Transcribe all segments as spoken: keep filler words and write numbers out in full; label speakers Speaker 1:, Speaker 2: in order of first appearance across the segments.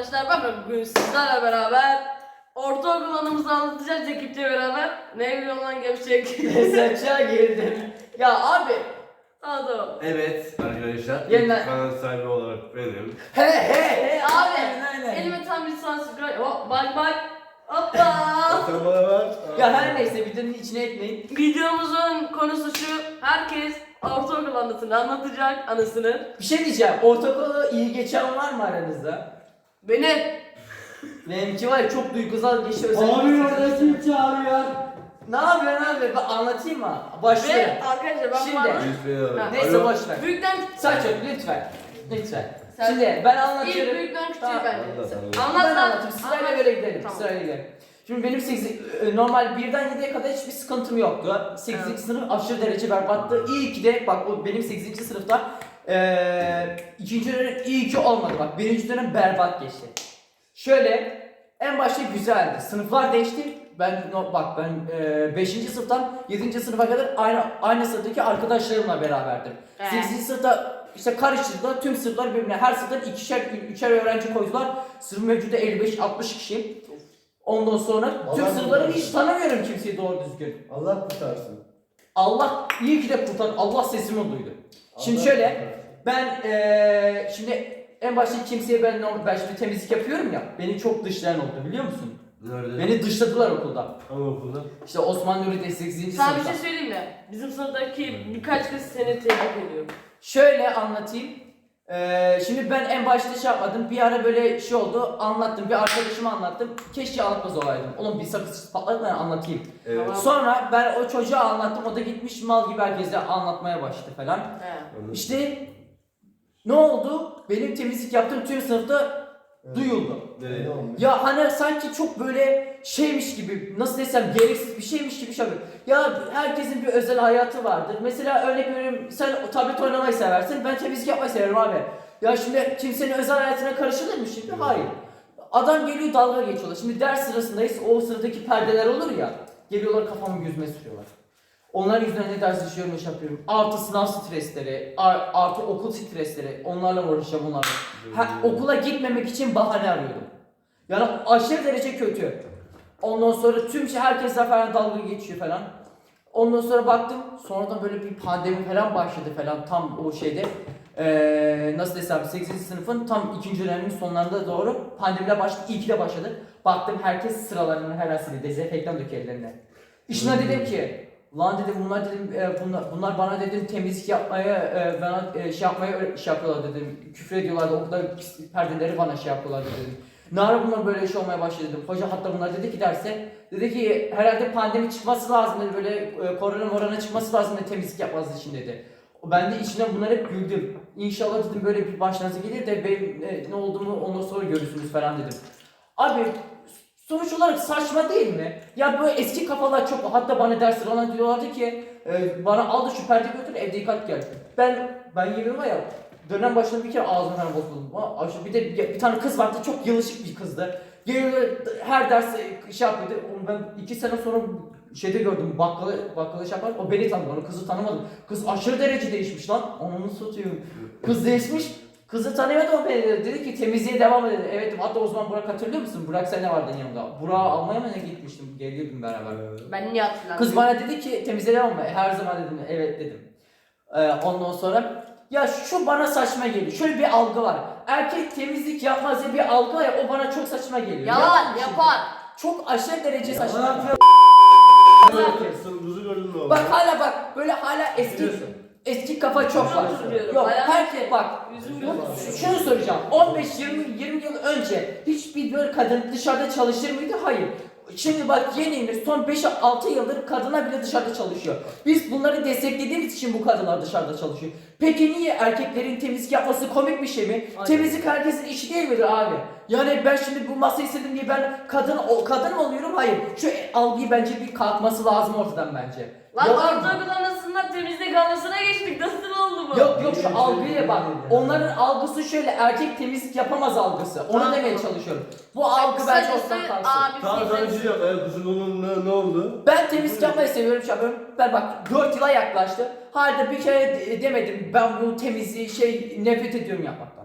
Speaker 1: arkadaşlar, ben bugün sizlerle beraber ortaokul anımızı anlatacağız ekiple beraber. Ne biliyorum lan gevşek.
Speaker 2: Saça girdim. Ya abi.
Speaker 1: Tamam tamam.
Speaker 3: Evet arkadaşlar,
Speaker 2: Yeniden-
Speaker 3: ilk kanal sahibi olarak benim.
Speaker 2: He he he
Speaker 1: Abi
Speaker 2: aynen, aynen.
Speaker 1: elime tam bir subscribe. Hop bak bak. Hoppa.
Speaker 3: Sen bana ver.
Speaker 2: Ya her neyse videonun içine etmeyin.
Speaker 1: Videomuzun konusu şu. Herkes ortaokul anısını anlatacak, anısını.
Speaker 2: Bir şey diyeceğim. Ortaokulu iyi geçen var mı aranızda?
Speaker 1: Benim.
Speaker 2: Benimki var ya çok duygusal geçiyor.
Speaker 4: Abi orada kim çağırıyor?
Speaker 2: Ne yapıyorsun abi? Ben anlatayım mı?
Speaker 1: Ve
Speaker 2: Başlayalım.
Speaker 1: arkadaşlar ben
Speaker 2: Şimdi.
Speaker 1: bu arada
Speaker 3: Lütfen.
Speaker 1: Ha.
Speaker 2: Neyse
Speaker 3: Alo.
Speaker 2: boş ver.
Speaker 1: büyükten
Speaker 2: Saç yok lütfen. Lütfen.
Speaker 1: Sen-
Speaker 2: Şimdi ben
Speaker 1: ilk
Speaker 2: anlatıyorum.
Speaker 1: büyükten küçüğe
Speaker 2: Tamam.
Speaker 1: ben.
Speaker 3: Anlat, anlat.
Speaker 1: Anlat
Speaker 2: Ben
Speaker 1: lan.
Speaker 2: anlatayım. Sırayla
Speaker 1: Anlat.
Speaker 2: böyle gidelim.
Speaker 1: Tamam.
Speaker 2: Sırayla gidelim. Şimdi benim sekiz, normal birden yediye kadar hiçbir sıkıntım yoktu. sekizinci
Speaker 1: Evet.
Speaker 2: sınıf aşırı derece berbattı. İyi ki de bak o benim sekizinci sınıfta eee ikinci dönem iyi ki olmadı bak. Birinci dönem berbat geçti. Şöyle en başta güzeldi. Sınıflar değişti. Ben no, bak ben eee beşinci sınıftan yedinci sınıfa kadar aynı aynı sınıftaki arkadaşlarımla beraberdim.
Speaker 1: Evet.
Speaker 2: sekizinci sınıfta işte karıştırdılar. Tüm sınıflar birbirine her sınıftan ikişer üçer öğrenci koydular. Sınıf mevcudu elli beş altmış kişi. Ondan sonra tüm
Speaker 4: Allah
Speaker 2: sınıfları
Speaker 4: kurtarsın.
Speaker 2: hiç tanımıyorum kimseyi doğru düzgün.
Speaker 4: Allah kurtarsın.
Speaker 2: Allah iyi ki de kurtar. Allah sesimi duydu. Şimdi
Speaker 4: Allah
Speaker 2: şöyle
Speaker 4: kurtarsın.
Speaker 2: ben eee şimdi en başta kimseye ben normal- ben şimdi temizlik yapıyorum ya. Beni çok dışlayan oldu biliyor musun?
Speaker 3: Nerede?
Speaker 2: Beni dışladılar okulda.
Speaker 3: Anaokulda.
Speaker 2: İşte Osman Nuri'de sekizinci
Speaker 1: Sana bir
Speaker 2: sınıfta.
Speaker 1: şey söyleyeyim mi? Bizim sınıftaki birkaç kız seni tebrik ediyor.
Speaker 2: Şöyle anlatayım. Ee, şimdi ben en başta şey yapmadım. Bir ara böyle şey oldu. Anlattım. Bir arkadaşıma anlattım. Keşke anlatmaz olaydım. Oğlum bir sakız patladı ben anlatayım.
Speaker 3: Evet.
Speaker 1: Tamam.
Speaker 2: Sonra ben o çocuğa anlattım. O da gitmiş mal gibi herkese anlatmaya başladı falan.
Speaker 1: He.
Speaker 2: İşte ne oldu? Benim temizlik yaptığım tüm sınıfta duyuldu.
Speaker 3: Evet.
Speaker 4: Ne olmuş?
Speaker 2: Ya hani sanki çok böyle şeymiş gibi, nasıl desem gereksiz bir şeymiş gibi şey yapıyor. Ya herkesin bir özel hayatı vardır. Mesela örnek veriyorum, sen tablet oynamayı seversin, ben temizlik yapmayı severim abi. Ya şimdi kimsenin özel hayatına karışılır mı şimdi? Hayır. Adam geliyor dalga geçiyorlar. Şimdi ders sırasındayız, o sıradaki perdeler olur ya, geliyorlar kafamı yüzüme sürüyorlar. Onların yüzünden ne ders işliyorum, iş yapıyorum. Artı sınav stresleri, ar- artı okul stresleri, onlarla uğraşacağım onlarla. Ha, okula gitmemek için bahane arıyordum. Yani aşırı derece kötü. Ondan sonra tüm şey herkesle falan dalga geçiyor falan. Ondan sonra baktım, sonradan böyle bir pandemi falan başladı falan tam o şeyde. Ee, nasıl desem sekizinci sınıfın tam ikinci dönemin sonlarında doğru pandemiyle başladı, iyi ki de başladı. Baktım herkes sıralarını herhalde dezenfektan döküyor ellerine. İşine dedim ki, lan dedim bunlar dedim e, bunlar, bunlar bana dedim temizlik yapmaya e, bana e, şey yapmaya öyle şey yapıyorlar dedim. Küfür ediyorlardı, o kadar pis perdeleri bana şey yapıyorlar dedim. Ne ara bunlar böyle iş olmaya başladı dedim. Hoca hatta bunlar dedi ki derse, dedi ki herhalde pandemi çıkması lazım dedi, böyle e, korona morona çıkması lazım dedi temizlik yapmanız için dedi. Ben de içinden bunları hep güldüm. İnşallah dedim böyle bir başınıza gelir de benim e, ne olduğumu ondan sonra görürsünüz falan dedim. Abi sonuç olarak saçma değil mi? Ya böyle eski kafalar çok, hatta bana dersler olan diyorlardı ki e, bana al da şu perdeyi götür evde yıkat gel. Ben ben yemin var ya dönem başında bir kere ağzım falan bozuldu. Ama bir de bir, bir tane kız vardı, çok yılışık bir kızdı. Geliyor her ders şey yapıyordu. Onu ben iki sene sonra şeyde gördüm, bakkala bakkala şey yapar. O beni tanıdı, onu kızı tanımadım. Kız aşırı derece değişmiş lan. Onu satıyorum. Kız değişmiş. Kızı tanıyordu o beni dedi. Dedi ki temizliğe devam edelim. Evet dedim. Hatta o zaman Burak hatırlıyor musun? Burak sen ne vardın yanımda? Burak'ı almaya mı ne gitmiştim? Geliyordum beraber.
Speaker 1: Ben niye hatırlamıyorum?
Speaker 2: Kız bana dedi ki temizliğe devam mı? Her zaman dedim evet dedim. Ee, ondan sonra ya şu bana saçma geliyor. Şöyle bir algı var. Erkek temizlik yapmaz diye bir algı var ya, o bana çok saçma geliyor.
Speaker 1: Yalan
Speaker 2: Yapma şimdi.
Speaker 1: yapar.
Speaker 2: Çok aşırı derece saçma.
Speaker 4: Yalan
Speaker 3: Sen buzu gördün mü?
Speaker 2: Bak hala bak böyle hala eski eski kafa çok var.
Speaker 1: Özür diliyorum.
Speaker 2: Yok
Speaker 1: Hayal-
Speaker 2: herkes bak.
Speaker 1: Yüzüm
Speaker 2: Bu-
Speaker 1: gözüm.
Speaker 2: Şunu soracağım. on beş yirmi yirmi yıl önce hiçbir böyle kadın dışarıda çalışır mıydı? Hayır. Şimdi bak yeni son beş altı yıldır kadına bile dışarıda çalışıyor. Biz bunları desteklediğimiz için bu kadınlar dışarıda çalışıyor. Peki niye erkeklerin temizlik yapması komik bir şey mi?
Speaker 1: Aynen.
Speaker 2: Temizlik herkesin işi değil midir abi? Yani ben şimdi bu masayı sildim diye ben kadın o kadın mı oluyorum? Hayır. Şu algıyı bence bir kalkması lazım ortadan bence.
Speaker 1: Lan
Speaker 2: Yalan mı?
Speaker 1: ortaokul anısından temizlik anısına geçtik. Nasıl oldu bu?
Speaker 2: Yok yok şu algıya bak. Onların algısı şöyle, erkek temizlik yapamaz algısı. Onu
Speaker 1: Tamam.
Speaker 2: demeye çalışıyorum. Bu algı bence
Speaker 1: Kısacası
Speaker 2: ortadan kalksın.
Speaker 1: abi
Speaker 3: Tamam sana bir
Speaker 1: sizin-
Speaker 3: şey yap. Eğer kızın onun ne, ne oldu?
Speaker 2: Ben temizlik yapmayı seviyorum, şey yapıyorum. Ben bak dört yıla yaklaştı. Halde bir kere de- demedim ben bu temizliği şey nefret ediyorum yapmaktan.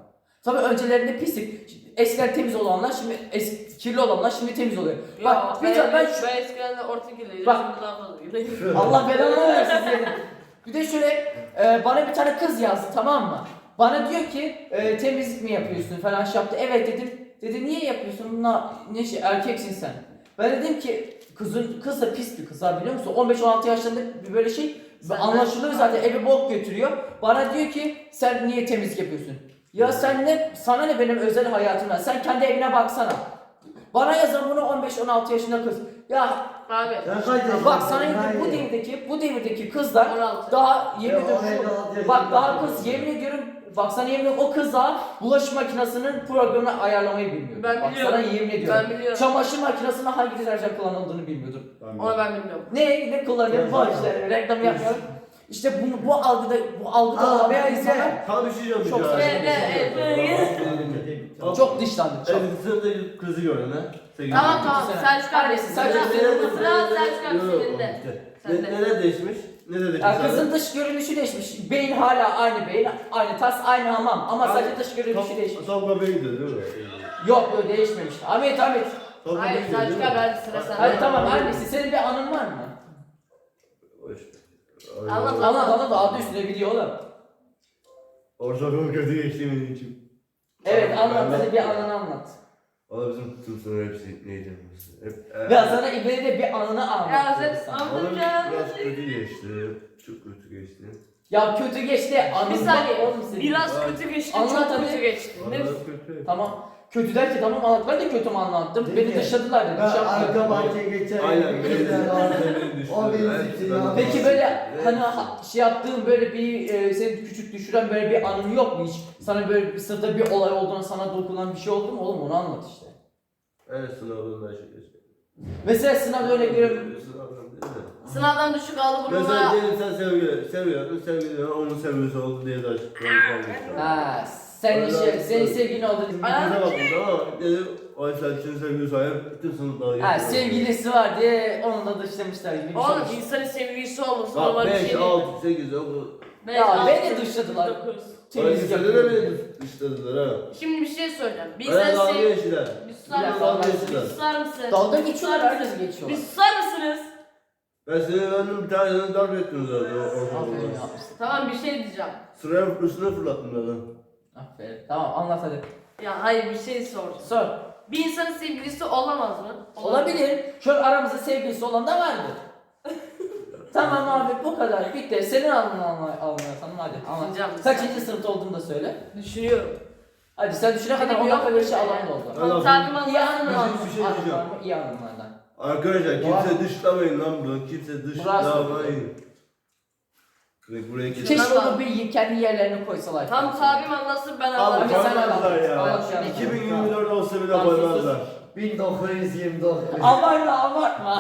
Speaker 2: Tabii öncelerinde pislik. Eskiden temiz olanlar şimdi es kirli olanlar şimdi temiz oluyor.
Speaker 1: Ya,
Speaker 2: Bak bir
Speaker 1: ben,
Speaker 2: de ben
Speaker 1: ben,
Speaker 2: şu
Speaker 1: ben eskiden de orta kirliydim.
Speaker 2: Bak.
Speaker 1: Şimdi daha fazla kirliyim.
Speaker 2: Allah belanı versin senin. Bir de şöyle e, bana bir tane kız yazdı, tamam mı? Bana diyor ki e, temizlik mi yapıyorsun falan şey yaptı. Evet dedim. Dedi niye yapıyorsun? Na, ne şey erkeksin sen. Ben dedim ki kızın kız da pis bir kız ha, biliyor musun? on beş on altı yaşlarında bir böyle şey
Speaker 1: Sen
Speaker 2: anlaşılıyor
Speaker 1: de-
Speaker 2: zaten, eve bok götürüyor. Bana diyor ki sen niye temizlik yapıyorsun? Ya sen ne, sana ne benim özel hayatımdan? Sen kendi evine baksana. Bana yazan bunu on beş on altı yaşında kız. Ya
Speaker 1: Abi.
Speaker 4: Sen kaç yaşındasın?
Speaker 2: bak sana yemin- bu
Speaker 4: Hayır.
Speaker 2: devirdeki bu devirdeki kızlar
Speaker 1: on altı.
Speaker 2: daha yemin
Speaker 4: Ya,
Speaker 2: ediyorum
Speaker 4: on
Speaker 2: şu-
Speaker 4: altı yaşında.
Speaker 2: bak daha kız yemin ediyorum bak sana yemin ediyorum o kız daha bulaşık makinesinin programını ayarlamayı bilmiyor.
Speaker 1: Ben
Speaker 2: bak
Speaker 1: biliyorum.
Speaker 2: sana yemin ediyorum.
Speaker 1: Ben biliyorum.
Speaker 2: Çamaşır makinesinde hangi deterjan kullanıldığını bilmiyordum.
Speaker 1: Onu ben bilmiyorum.
Speaker 2: Ne ne kullanıyor
Speaker 4: Ya,
Speaker 2: bu
Speaker 4: ya.
Speaker 2: işte reklam yapmıyorum. İşte bunu bu algıda bu algıda
Speaker 4: Aa,
Speaker 2: olan
Speaker 4: ben
Speaker 2: insanlar
Speaker 3: Tam bir şey diyeceğim.
Speaker 2: Çok
Speaker 3: ya.
Speaker 2: saçma
Speaker 1: Evet, evet, evet.
Speaker 2: çok dışlandı çok.
Speaker 3: Evet, sınıfta kızı gördün ha. Sevgili
Speaker 1: Tamam
Speaker 3: kızı.
Speaker 1: tamam.
Speaker 2: Düşünsene.
Speaker 1: Selçuk abi.
Speaker 2: Annesi, Selçuk
Speaker 1: Sıra-
Speaker 2: senin-
Speaker 1: Sıra Selçuk abi
Speaker 3: Yok, yok,
Speaker 1: senin de.
Speaker 3: bitti.
Speaker 1: Sen
Speaker 3: Ne,
Speaker 1: de.
Speaker 3: neler değişmiş? Ne dedik
Speaker 2: Ya kızın dış görünüşü değişmiş. Beyin hala aynı beyin, aynı tas, aynı hamam ama sadece dış görünüşü değişmiş.
Speaker 3: Tam bebeği gidiyor değil mi?
Speaker 2: Yok böyle değişmemiş. Ahmet Ahmet.
Speaker 3: Tam
Speaker 1: Hayır
Speaker 3: bebeği gidiyor,
Speaker 1: Selçuk
Speaker 3: değil
Speaker 1: abi
Speaker 3: mi?
Speaker 1: hadi sıra sende.
Speaker 2: Hadi tamam annesi senin bir anın var mı?
Speaker 3: Hoş.
Speaker 1: Anlat,
Speaker 3: Ay,
Speaker 2: Anlat anlat adı üstüne video oğlum.
Speaker 3: Ortaokul kötü geçti benim için.
Speaker 2: Evet anlat
Speaker 3: Ben-
Speaker 2: hadi bir anını anlat.
Speaker 3: Valla bizim tüm sınıf hepsi neydi? Hep,
Speaker 2: Ya sana İbni de bir anını anlat.
Speaker 1: Ya sen
Speaker 2: diyorum sana.
Speaker 1: anlat.
Speaker 3: Valla biraz kötü geçti. Çok kötü geçti.
Speaker 2: Ya kötü geçti anını.
Speaker 1: Bir saniye.
Speaker 2: Oğlum senin.
Speaker 1: Biraz
Speaker 3: Ay.
Speaker 1: kötü geçti.
Speaker 2: Anlat
Speaker 1: Çok
Speaker 2: hadi.
Speaker 1: kötü geçti. Ne?
Speaker 3: Valla kötü.
Speaker 2: Tamam. Kötü der ki tamam anlat. Ben de kötü mü anlattım?
Speaker 4: Değil
Speaker 2: Beni
Speaker 4: mi?
Speaker 2: dışladılar dedi.
Speaker 4: Ben
Speaker 2: Şey yapmadım.
Speaker 4: arka bahçeye geçer.
Speaker 3: Aynen.
Speaker 4: Bizler vardı. O benim
Speaker 3: Hepsi
Speaker 4: için
Speaker 3: ben-
Speaker 4: ya.
Speaker 2: Peki böyle
Speaker 3: Evet.
Speaker 2: hani ha- şey yaptığın böyle bir e, seni küçük düşüren böyle bir anın yok mu hiç? Sana böyle bir sırada bir olay olduğuna sana dokunan bir şey oldu mu oğlum onu anlat işte.
Speaker 3: Evet sınavında şey geçti.
Speaker 2: Mesela sınavda örnek veriyorum.
Speaker 3: Sınavdan değil mi?
Speaker 1: Sınavdan düşük aldı
Speaker 3: Mesela
Speaker 1: bununla.
Speaker 3: diyelim sen sevgi, seviyordun, sevgilin onun sevgilisi oldu diye de açıklamıştım.
Speaker 2: Ha, sen şey, senin sevgilin oldu.
Speaker 3: Bize baktım ama dedi o Selçuk'un sevgilisi sahip bütün sınıflara
Speaker 2: Ha sevgilisi var diye onu da dışlamışlar gibi bir şey.
Speaker 1: Oğlum
Speaker 2: olmuş.
Speaker 1: insanın sevgilisi olması
Speaker 3: Bak
Speaker 1: normal bir şey
Speaker 3: beş,
Speaker 1: değil.
Speaker 3: altı, sekiz, dokuz.
Speaker 1: Beş,
Speaker 2: Ya
Speaker 1: altı,
Speaker 2: beni
Speaker 1: sekiz,
Speaker 2: dışladılar.
Speaker 1: dokuz.
Speaker 2: Temizlik
Speaker 3: Temizlik de
Speaker 2: yapıyor.
Speaker 3: beni dışladılar ha.
Speaker 1: Şimdi bir şey söyleyeceğim. Bir
Speaker 3: Bana
Speaker 1: insan
Speaker 3: dalga
Speaker 1: sev...
Speaker 3: geçtiler.
Speaker 1: Bir susar
Speaker 2: Ya,
Speaker 1: mısın?
Speaker 3: dalga
Speaker 1: Bir
Speaker 3: geçtiler.
Speaker 1: susar mısın?
Speaker 2: Dalga
Speaker 1: Bir
Speaker 2: geçiyorlar
Speaker 1: susar
Speaker 2: herkes
Speaker 1: mısın?
Speaker 2: geçiyorlar.
Speaker 1: Bir susar mısınız?
Speaker 3: Ben seni öğrendim bir tanesini darp ettim zaten o
Speaker 2: Aferin
Speaker 3: ortaokulda.
Speaker 2: yapmışsın.
Speaker 1: Tamam bir şey diyeceğim.
Speaker 3: Sıraya üstüne fırlattım zaten.
Speaker 2: Aferin. Tamam anlat hadi.
Speaker 1: Ya hayır bir şey soracağım.
Speaker 2: Sor.
Speaker 1: Bir insanın sevgilisi olamaz mı?
Speaker 2: Olabilir. Şu an aramızda sevgilisi olan da vardı. Tamam abi bu kadar bitti. Senin anını anla- anlatalım hadi. Anlat.
Speaker 1: Düşüneceğim.
Speaker 2: Kaçıncı sınıfta olduğunu da söyle.
Speaker 1: Düşünüyorum.
Speaker 2: Hadi sen düşüne kadar
Speaker 1: Benim
Speaker 2: on
Speaker 1: yok
Speaker 2: dakika bir şey
Speaker 1: öyle.
Speaker 2: alan da oldu.
Speaker 3: Allah-
Speaker 1: Takip
Speaker 2: İyi
Speaker 1: anlasın
Speaker 2: anını
Speaker 1: mı?
Speaker 2: anlat.
Speaker 3: Bir şey diyeceğim.
Speaker 2: İyi anılardan.
Speaker 3: Arkadaşlar kimse dışlamayın lan bunu. Kimse
Speaker 2: Burası.
Speaker 3: dışlamayın. Direkt buraya geçin.
Speaker 2: Keşke
Speaker 1: Tamam.
Speaker 2: onu bir kendi yerlerine koysalar.
Speaker 1: Tam tabim anlasın ben
Speaker 3: Abi
Speaker 1: anlarım.
Speaker 2: sen
Speaker 3: koymazlar
Speaker 2: anlat.
Speaker 3: ya.
Speaker 2: Anlat şu an.
Speaker 3: iki bin yirmi dört olsa bile
Speaker 2: Tamam, sus,
Speaker 3: koymazlar.
Speaker 4: bin dokuz yüz yirmi dokuz.
Speaker 2: Abartma abartma.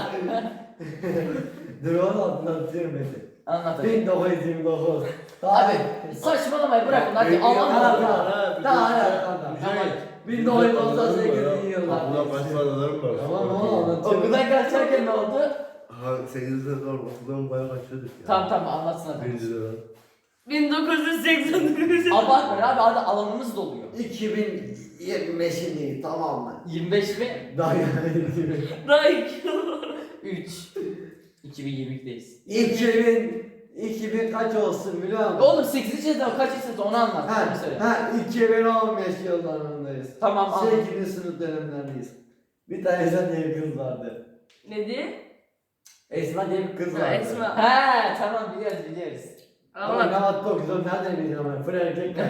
Speaker 4: Dur onu anlatıyorum beni.
Speaker 2: Anlat hadi.
Speaker 4: bin dokuz yüz yirmi dokuz.
Speaker 2: Abi saçmalamayı bırakın hadi
Speaker 3: Peki,
Speaker 2: Allah'ım
Speaker 3: ya,
Speaker 2: Allah.
Speaker 3: ya,
Speaker 4: Daha
Speaker 3: bir-
Speaker 4: hala.
Speaker 3: Güzel.
Speaker 4: bin dokuz yüz doksan sekiz yıllar.
Speaker 3: Aklımda başka anılarım var.
Speaker 4: Tamam oğlum anlatıyorum.
Speaker 2: Okuldan kaçarken ne oldu?
Speaker 3: Ha, sekizinci sınıfta okuldan bayağı kaçıyorduk ya.
Speaker 2: Tamam tamam anlatsın hadi.
Speaker 3: Birinci dönem.
Speaker 1: bin dokuz yüz seksen dokuz.
Speaker 2: Abartma abi hadi alanımız doluyor.
Speaker 4: iki bin yirmi beşindeyiz tamam mı?
Speaker 2: yirmi beş mi?
Speaker 4: Daha yani.
Speaker 1: Daha iki.
Speaker 2: üç. iki bin yirmi ikideyiz.
Speaker 4: iki bin iki bin kaç olsun biliyor musun?
Speaker 2: Oğlum sekizinci sınıfta kaç sınıfta onu anlat.
Speaker 4: Ha,
Speaker 2: Onu söyle.
Speaker 4: ha iki bin on beş yıllarındayız.
Speaker 2: Tamam anlat.
Speaker 4: sekizinci sınıf dönemlerindeyiz. Bir tane Esma diye bir kız vardı.
Speaker 1: Ne diye?
Speaker 4: Esma diye bir kız
Speaker 1: Ha,
Speaker 4: vardı.
Speaker 1: Esma.
Speaker 2: He tamam biliyoruz biliyoruz.
Speaker 4: Ama
Speaker 1: Anlat.
Speaker 4: ne hatta o kız o nereden bileceğim ben? Fır erkekler.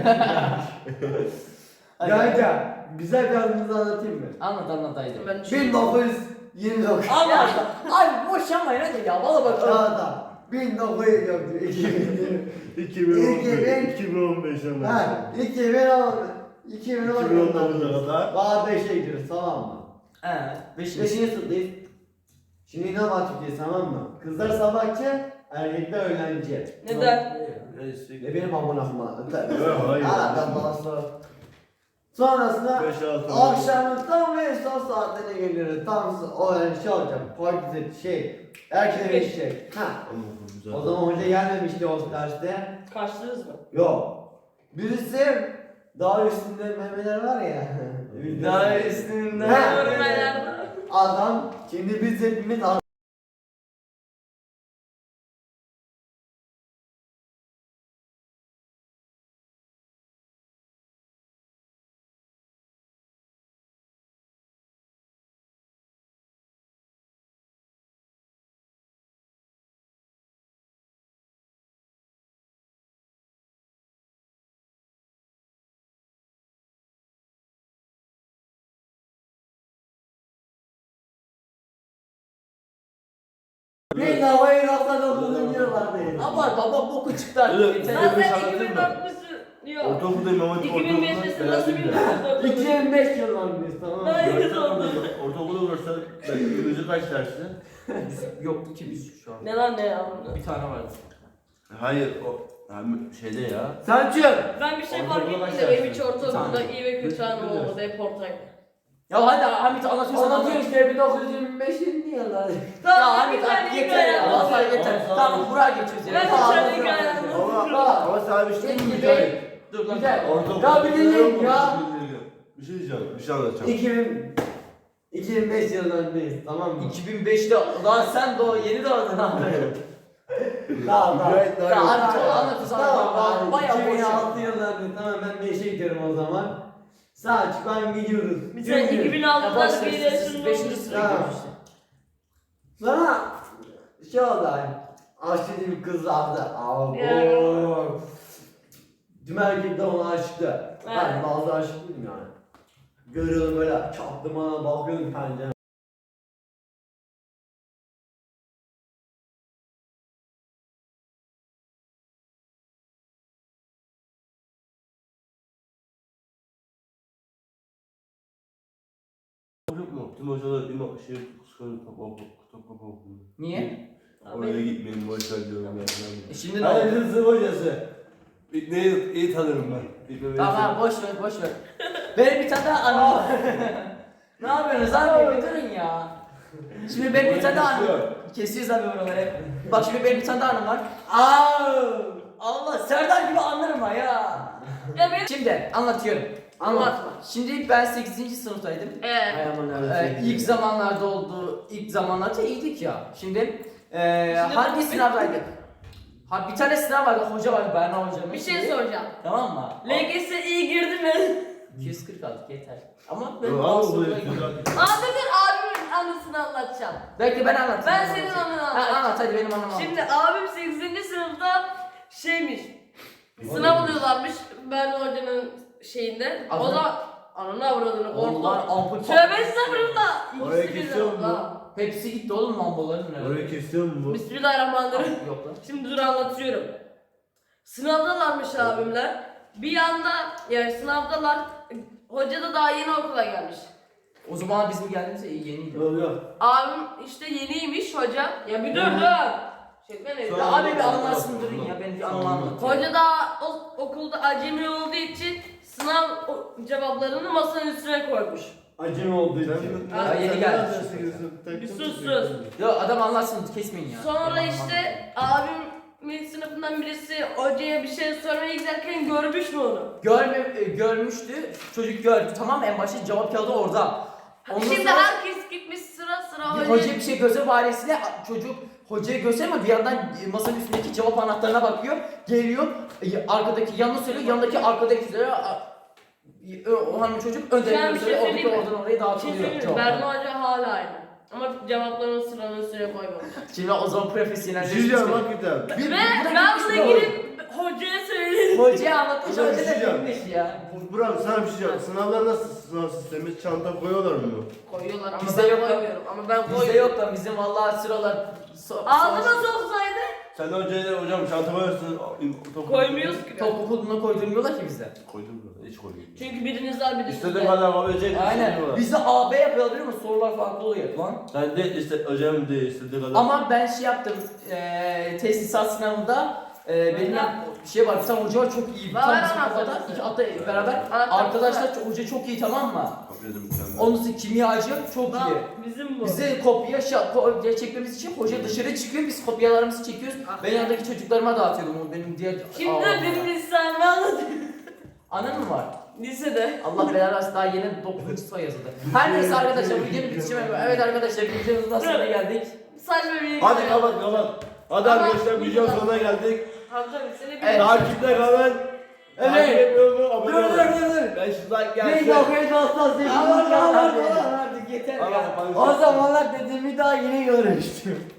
Speaker 2: Hadi.
Speaker 4: Kanka güzel bir anınızı anlatayım mı?
Speaker 2: Anlat anlat haydi.
Speaker 1: Ben
Speaker 4: bin dokuz yüz yirmi dokuz.
Speaker 2: Allah abi boşanmayın hadi ya valla bak.
Speaker 4: Çağda. bin dokuz yüz yok diyor. iki bin yirmi.
Speaker 3: iki bin on
Speaker 4: İki bin-
Speaker 3: beş. iki bin on beşe
Speaker 4: Ha, iki bin on. iki bin on.
Speaker 3: iki bin on dokuza kadar.
Speaker 4: Daha beşe gidiyoruz tamam mı?
Speaker 2: He. Beş
Speaker 4: Beşinci sınıftayız. Şimdi ne bakacağız tamam mı? Kızlar sabahçı, erkekler öğlenci.
Speaker 1: Neden?
Speaker 4: Ne benim amına koyayım.
Speaker 3: Yok, hayır.
Speaker 4: Ha ben daha sonra. Sonrasında
Speaker 3: beş altı.
Speaker 4: akşamın tam ve son saatlerine geliyoruz. Tam o yani şey olacak. Partide şey. Erkekler eşek. Ha. O zaman hoca gelmemişti o derste.
Speaker 1: Kaçtınız mı?
Speaker 4: Yok. Birisi Dağ üstünde memeler var ya.
Speaker 2: Daha üstünden.
Speaker 4: Ha.
Speaker 1: Görmeler.
Speaker 4: Adam şimdi biz hepimiz ne havayı raftan olduğunu biliyorlar değil.
Speaker 2: Ama baba boku çıktı artık.
Speaker 3: Evet.
Speaker 2: Yeter.
Speaker 1: Lan
Speaker 3: Ben
Speaker 1: sen
Speaker 3: anlatayım
Speaker 1: iki bin
Speaker 3: mı?
Speaker 1: dörtlüsün. Yok.
Speaker 3: Ortaokuldayım ama
Speaker 1: iki bin beştesin nasıl bilmiyorsun?
Speaker 4: iki bin beş yıllarındayız tamam mı?
Speaker 1: Hayır.
Speaker 3: Ortaokulda olursa bioloji kaç dersi?
Speaker 2: Biz yoktu ki biz şu an.
Speaker 1: Ne lan ne ya?
Speaker 2: Bir tane vardı.
Speaker 3: Hayır o yani şeyde ya.
Speaker 4: Selçuk.
Speaker 1: Ben bir şey
Speaker 3: Ortaokula
Speaker 1: fark ettim de
Speaker 3: başlarsın.
Speaker 1: benim hiç ortaokulda
Speaker 2: Tamam.
Speaker 1: iyi ve kötü anım olmadı. Hep ortaydı.
Speaker 2: Ya hadi Hamit anlatıyorsan
Speaker 4: Anlatıyor
Speaker 2: anlat.
Speaker 4: işte bin dokuz yüz yirmi beşin yılları.
Speaker 2: Ya Hamit artık yeter ya.
Speaker 3: Tamam,
Speaker 2: Vallahi yeter.
Speaker 3: tamam,
Speaker 2: Tamam
Speaker 3: tamam.
Speaker 2: buraya geçiyoruz ya.
Speaker 1: Ben
Speaker 2: Tamam,
Speaker 1: içeride
Speaker 2: anlat.
Speaker 1: hikaye
Speaker 3: Ama
Speaker 1: anlatıyorum.
Speaker 3: ama sana bir şey diyeyim mi?
Speaker 4: İki
Speaker 3: Mücahit?
Speaker 2: Dur lan.
Speaker 4: Güzel.
Speaker 3: Ortaokulda
Speaker 4: Ya bir dinleyin ya.
Speaker 3: Bir şey diyeceğim, bir şey anlatacağım.
Speaker 4: iki bin iki bin beş yıllarındayız tamam mı?
Speaker 2: iki bin beşte lan sen doğ yeni doğdun abi.
Speaker 4: Tamam tamam.
Speaker 3: Mücahit daha
Speaker 2: Ya
Speaker 3: yok.
Speaker 2: Hamit o anlatıyorsan
Speaker 4: Tamam
Speaker 2: anlat.
Speaker 4: abi.
Speaker 2: Bayağı boş
Speaker 4: iki bin altı
Speaker 2: ya.
Speaker 4: yıllarında tamam ben beşe gidiyorum o zaman. Selçuk ben gidiyoruz.
Speaker 1: Bir sen
Speaker 4: Çünkü-
Speaker 1: iki bin
Speaker 2: Ya
Speaker 1: altıda
Speaker 2: boş ver,
Speaker 1: bir
Speaker 2: siz-
Speaker 1: de
Speaker 2: siz
Speaker 1: şunu
Speaker 2: beşinci sıraya
Speaker 4: Tamam.
Speaker 2: girmiştin.
Speaker 4: Sonra şey oldu hani. Aşçı bir kız vardı. Abo.
Speaker 1: Ya.
Speaker 4: Tüm erkekler ona aşıktı. Ben
Speaker 1: Evet.
Speaker 4: bazı aşık değilim yani. Görüyordum böyle çaptım bana bakıyordum pencere.
Speaker 3: Yok mu? Tüm hocalar ima şey kıskanıyor top top top top.
Speaker 2: Niye?
Speaker 3: Oraya gitmeyin boş ver diyorum ya.
Speaker 2: E şimdi ne oldu?
Speaker 4: Hayır sınıf hocası.
Speaker 3: Neyi iyi tanırım ben. İlk
Speaker 2: Tamam abi, boş ver boş ver. Benim bir tane daha anım var. Ne yapıyorsunuz abi? Bir durun ya. Şimdi benim bir tane daha anım. Kesiyoruz abi buraları. Bak şimdi benim bir tane daha anım var. Aa! Allah Serdar gibi anlarım ha ya.
Speaker 1: Ya benim...
Speaker 2: Şimdi anlatıyorum.
Speaker 1: Anlatma.
Speaker 2: Şimdi ben sekizinci sınıftaydım.
Speaker 1: Evet.
Speaker 2: Ee, ilk zamanlarda oldu, ilk zamanlarda iyiydik ya. Şimdi, e,
Speaker 1: Şimdi
Speaker 2: hangi
Speaker 1: bu-
Speaker 2: sınavdaydık? Ha bir tane sınav vardı, hoca vardı, Berna hocamız.
Speaker 1: Bir şey soracağım.
Speaker 2: Tamam mı?
Speaker 1: L G S iyi girdi mi?
Speaker 2: iki yüz kırk aldık yeter. Ama ben
Speaker 3: Abi
Speaker 2: bazı
Speaker 3: bu
Speaker 2: sorulara girdim.
Speaker 1: Abi dur abimin anısını anlatacağım.
Speaker 2: Belki ben anlatayım.
Speaker 1: Ben
Speaker 2: ben
Speaker 1: senin
Speaker 2: anlatayım.
Speaker 1: anını
Speaker 2: Ha,
Speaker 1: anlatacağım.
Speaker 2: anlat hadi benim anımı anlat.
Speaker 1: Şimdi abim sekizinci sınıfta şeymiş. Sınav oluyorlarmış Berna Hoca'nın şeyinde. O
Speaker 2: Adını-
Speaker 1: da ananı avradını
Speaker 2: Onlar
Speaker 1: korktu.
Speaker 2: ampul
Speaker 1: Tövbe estağfurullah.
Speaker 3: Oraya
Speaker 1: İkisi birden
Speaker 3: kesiyor
Speaker 1: oldu
Speaker 3: mu?
Speaker 1: ha.
Speaker 2: Hepsi gitti oğlum lamboların.
Speaker 3: Orayı kesiyor mu bu?
Speaker 1: Bismillahirrahmanirrahim.
Speaker 2: Yok lan.
Speaker 1: Şimdi dur anlatıyorum. Sınavdalarmış abimler. Bir yanda yani sınavdalar. Hoca da daha yeni okula gelmiş.
Speaker 2: O zaman bizim geldiğimizde yeniydi.
Speaker 4: Yok yok.
Speaker 1: Abim işte yeniymiş hoca. Ya bir dur
Speaker 4: Hı.
Speaker 1: dur. Çekme ne?
Speaker 3: Sonra-
Speaker 2: Ya abi bir anlarsın durun ya ben bir anımı anlatayım.
Speaker 1: Hoca daha o, okulda acemi olduğu için sınav o- cevaplarını masanın üstüne koymuş.
Speaker 4: Acım olduğu için.
Speaker 2: Ha, yeni geldi.
Speaker 1: Bir sus sus.
Speaker 2: Ya adam anlatsın kesmeyin ya.
Speaker 1: Sonra
Speaker 2: Ben
Speaker 1: işte abimin sınıfından birisi hocaya bir şey sormaya giderken görmüş mü onu?
Speaker 2: Görme, e, görmüştü. Çocuk gördü. Tamam en başta cevap kağıdı orada. Ondan
Speaker 1: Şimdi
Speaker 2: sonra
Speaker 1: herkes gitmiş sıra sıra
Speaker 2: bir
Speaker 1: hocaya.
Speaker 2: hoca bir şey göze bahanesiyle çocuk hocaya göstermiyor bir yandan e, masanın üstündeki cevap anahtarına bakıyor. Geliyor. e, Arkadaki yanına söylüyor. Yanındaki arkadaki söylüyor. a- e, O hanım çocuk önde
Speaker 1: Ben bir şey
Speaker 2: söylüyor.
Speaker 1: söyleyeyim
Speaker 2: Oradaki
Speaker 1: mi?
Speaker 2: oradan oraya
Speaker 1: Bir şey
Speaker 2: dağıtılıyor.
Speaker 1: söyleyeyim mi?
Speaker 2: cevaplar.
Speaker 1: Berna Hoca hala aynı. Ama cevaplarını sıranın üstüne koymamış.
Speaker 2: Şimdi o zaman profesyonel.
Speaker 3: Bir şey diyeceğim hakikaten.
Speaker 2: Bir-
Speaker 1: Ve
Speaker 2: bir- bu da
Speaker 1: ben
Speaker 2: gitmiş
Speaker 1: buna
Speaker 2: bu.
Speaker 1: gidip hocaya söyledim.
Speaker 2: Hocaya anlatmış.
Speaker 3: Hocam,
Speaker 2: Hoca
Speaker 3: bir şey
Speaker 2: da
Speaker 3: diyeceğim.
Speaker 2: bilmiş ya.
Speaker 3: Burak sana bir şey diyeceğim. Sınavlar nasıl sınav sistemi? Çanta koyuyorlar mı?
Speaker 1: Koyuyorlar ama
Speaker 2: Bizde
Speaker 1: ben
Speaker 2: yok lan.
Speaker 1: koymuyorum. Ama ben
Speaker 2: Bizde
Speaker 1: koyuyorum.
Speaker 2: yok lan bizim vallahi sıralar. So
Speaker 1: Ağzıma
Speaker 2: so-
Speaker 1: soksaydı
Speaker 3: Sen de hocaya hocam çanta koyarsın. top-
Speaker 1: koymuyoruz ki.
Speaker 2: Top okuluna koydurmuyorlar ki bizde.
Speaker 3: Koydum mu? Hiç koydum.
Speaker 1: Çünkü biriniz var biriniz
Speaker 3: İstediğin
Speaker 1: var.
Speaker 3: kadar alabilecek
Speaker 2: Aynen. Bizde A B yapıyorlar biliyor musun? Sorular farklı oluyor lan.
Speaker 3: Sen de işte hocam de istediğin kadar.
Speaker 2: Ama ben şey yaptım. Eee tesisat sınavında eee benim bir şey var. Bir tane hoca var çok iyi.
Speaker 1: Var,
Speaker 2: Tam
Speaker 1: var,
Speaker 2: bizim
Speaker 1: anahtarı.
Speaker 2: kafada iki hatta beraber.
Speaker 1: Anahtarı
Speaker 2: Arkadaşlar
Speaker 1: var.
Speaker 2: çok- hoca çok iyi tamam mı?
Speaker 3: Kopyadım mükemmel.
Speaker 2: Onun için kimyacı çok
Speaker 1: Lan,
Speaker 2: iyi.
Speaker 1: bizim bu.
Speaker 2: Bize kopya şa- kopya çekmemiz için hoca dışarı çıkıyor. Biz kopyalarımızı çekiyoruz.
Speaker 1: Ah.
Speaker 2: Ben yanındaki çocuklarıma dağıtıyordum onu benim diğer.
Speaker 1: Şimdi
Speaker 2: Aa,
Speaker 1: benim lisanımı anlatayım.
Speaker 2: Anın mı var?
Speaker 1: Lisede.
Speaker 2: Allah belanı versin daha yeni dokuzuncu sınıfa yazıldı. Her neyse arkadaşlar videonun bitişine evet arkadaşlar videomuzun sonuna geldik.
Speaker 1: Saçma bir
Speaker 3: Hadi kapat kapat. Hadi
Speaker 1: Ama-
Speaker 3: arkadaşlar videonun sonuna geldik.
Speaker 1: Hamza abi seni bir
Speaker 2: Evet.
Speaker 3: Takipte kalın.
Speaker 4: Evet.
Speaker 3: Takip etmiyor mu? Abone
Speaker 4: Dur
Speaker 3: olun.
Speaker 4: dur dur dur.
Speaker 3: beş yüz like
Speaker 4: Neyse
Speaker 3: gelsin.
Speaker 4: okey dostlar sevgili
Speaker 2: Aman, aman,
Speaker 4: arkadaşlar. Artık yeter
Speaker 3: Allah
Speaker 4: ya.
Speaker 3: kapansın.
Speaker 4: O zamanlar dediğimi daha yeni görmüştüm.